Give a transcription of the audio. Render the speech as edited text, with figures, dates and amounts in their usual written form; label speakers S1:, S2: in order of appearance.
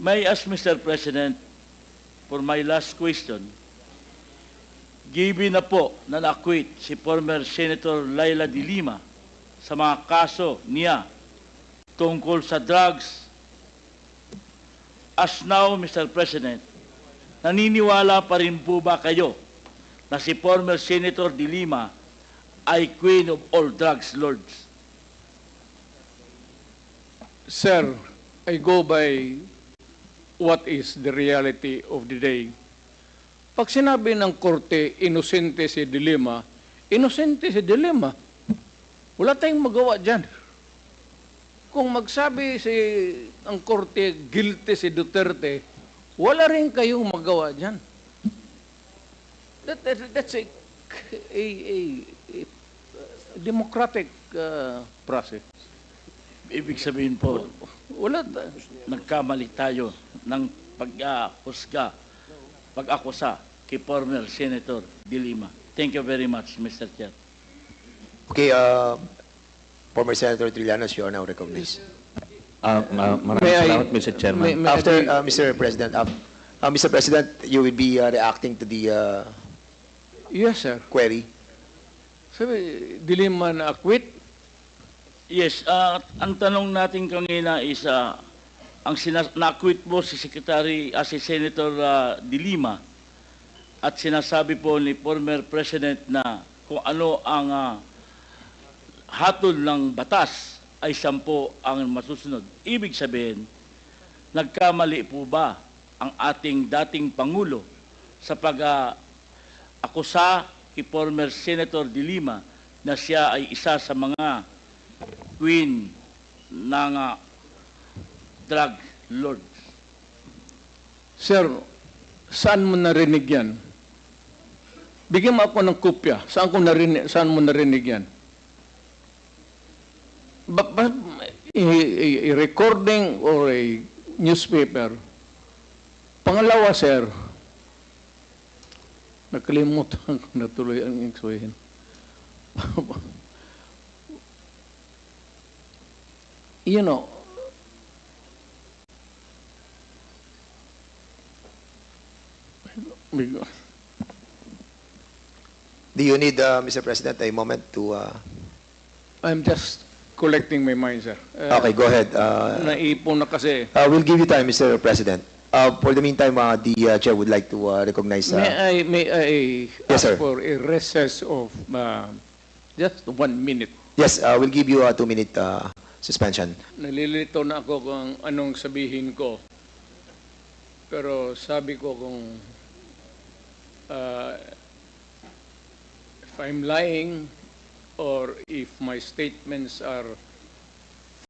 S1: May I ask, Mr. President, for my last question, given na po na na-acquit si former Senator Laila de Lima sa mga kaso niya tungkol sa drugs, as now, Mr. President, naniniwala pa rin po ba kayo na si former Senator de Lima ay queen of all drugs lords?
S2: Sir, I go by what is the reality of the day. Pag sinabi ng korte, inosente si de Lima, inosente si de Lima. Wala tayong magawa dyan. Kung magsabi ang korte, guilty si Duterte, wala rin kayong magawa dyan. That's a democratic process.
S1: Ibig sabihin po,
S2: Wala.
S1: nagkamali tayo ng pag-akusa kay former Senator de Lima. Thank you very much, Mr. Chair.
S3: Okay, former Senator Trillanos, you are now recognized.
S4: Maraming salamat, Mr. Chairman.
S3: After, Mr. President, Mr. President, you will be reacting to the
S2: Yes, sir.
S3: query.
S2: Sabi, de Lima na acquit.
S1: Yes, ang tanong natin kanina is, na-acquit po si si Senator de Lima at sinasabi po ni former President na kung ano ang hatol ng batas ay 10 ang masusunod. Ibig sabihin, nagkamali po ba ang ating dating Pangulo sa pag-akusa kay former Senator de Lima na siya ay isa sa mga queen ng drug lords?
S2: Sir, saan mo narinig yan? Bigyan mo ako ng kopya. Saan mo narinig yan? A recording or a newspaper. Pangalawa, sir, nakalimutan ko na tuloy ang iksuhin. You know,
S3: Do you need, Mr. President, a moment to...
S2: I'm just collecting my mind, sir.
S3: Okay, go ahead.
S2: Naipon na kasi.
S3: We'll give you time, Mr. President. For the meantime, the Chair would like to recognize...
S2: May I
S3: Yes,
S2: ask
S3: sir.
S2: for a recess of just 1 minute?
S3: Yes, we'll give you a 2-minute suspension.
S2: Nalilito na ako kung anong sabihin ko. Pero sabi ko kung if I'm lying or if my statements are